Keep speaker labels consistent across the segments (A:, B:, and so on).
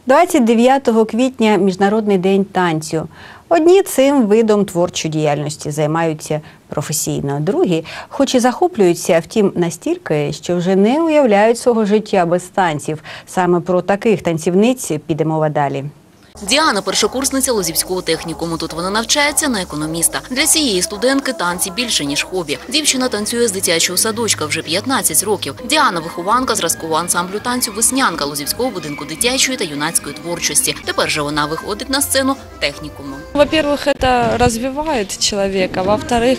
A: 29 квітня – Міжнародний день танцю. Одні цим видом творчої діяльності займаються професійно, другі хоч і захоплюються, втім настільки, що вже не уявляють свого життя без танців. Саме про таких танцівниць піде мова далі.
B: Діана – першокурсниця Лозівського технікуму. Тут вона навчається на економіста. Для цієї студентки танці більше, ніж хобі. Дівчина танцює з дитячого садочка вже 15 років. Діана – вихованка зразкового ансамблю танцю «Веснянка» Лозівського будинку дитячої та юнацької творчості. Тепер же вона виходить на сцену технікуму.
C: Во-первых, это развивает человека. Во-вторых,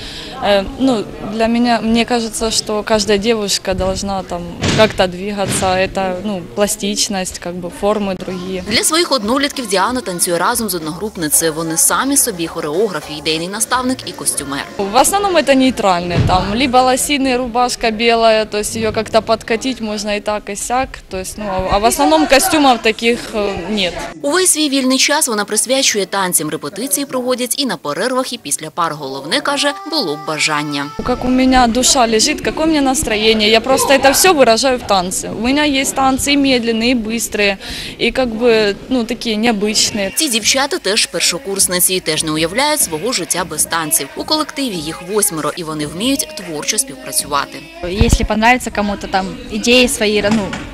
C: для меня, мне кажется, что каждая девушка должна там как-то двигаться. Это, пластичность, формы другие.
B: Для своїх однолітків Діана танцює разом з одногрупницею. Вони самі собі хореограф, ідейний наставник і костюмер.
C: В основном это нейтральные, либо лосины, рубашка белая, то есть ее как-то подкатить можно и так, и сяк. То есть, а в основном костюмов таких нет.
B: Увесь свій вільний час вона присвячує танцям. Репетиції проводять і на перервах, і після пар. Головне, каже, було б бажання.
C: Как у меня душа лежит, какое у меня настроение, я просто это все выражаю в танце. У меня есть танцы и медленные, и быстрые, и такие необычные.
B: Ці дівчата теж першокурсниці і теж не уявляють свого життя без танців. У колективі їх 8, і вони вміють творчо співпрацювати.
D: Якщо подобається кому-то ідеї свої,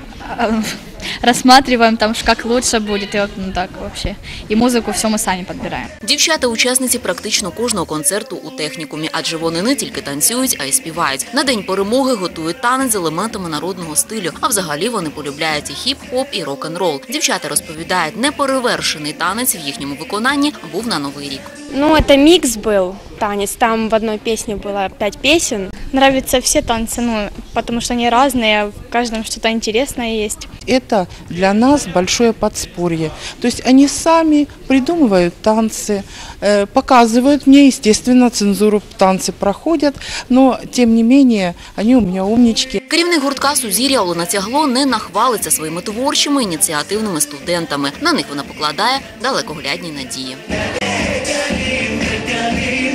D: рассматриваем, как лучше будет, и так вообще. И музыку все мы сами подбираем.
B: Дівчата – учасниці практично кожного концерту у технікумі, адже вони не тільки танцюють, а й співають. На День перемоги готують танець з елементами народного стилю, а взагалі вони полюбляють і хіп-хоп, і рок-н-рол. Дівчата розповідають, неперевершений танець в їхньому виконанні був на Новий рік.
E: Это микс был, танец. Там в одной песне было 5 песен. Нравятся все танцы, потому что они разные, в каждом что-то интересное есть.
F: Это для нас большое подспорье. То есть они сами придумывают танцы, показывают мне, естественно, цензуру танцы проходят, но тем не менее они у меня умнички.
B: Керівник гуртка «Сузір'я» Олена Тягло не нахвалиться своїми творчими ініціативними студентами. На них вона покладає далекоглядні надії.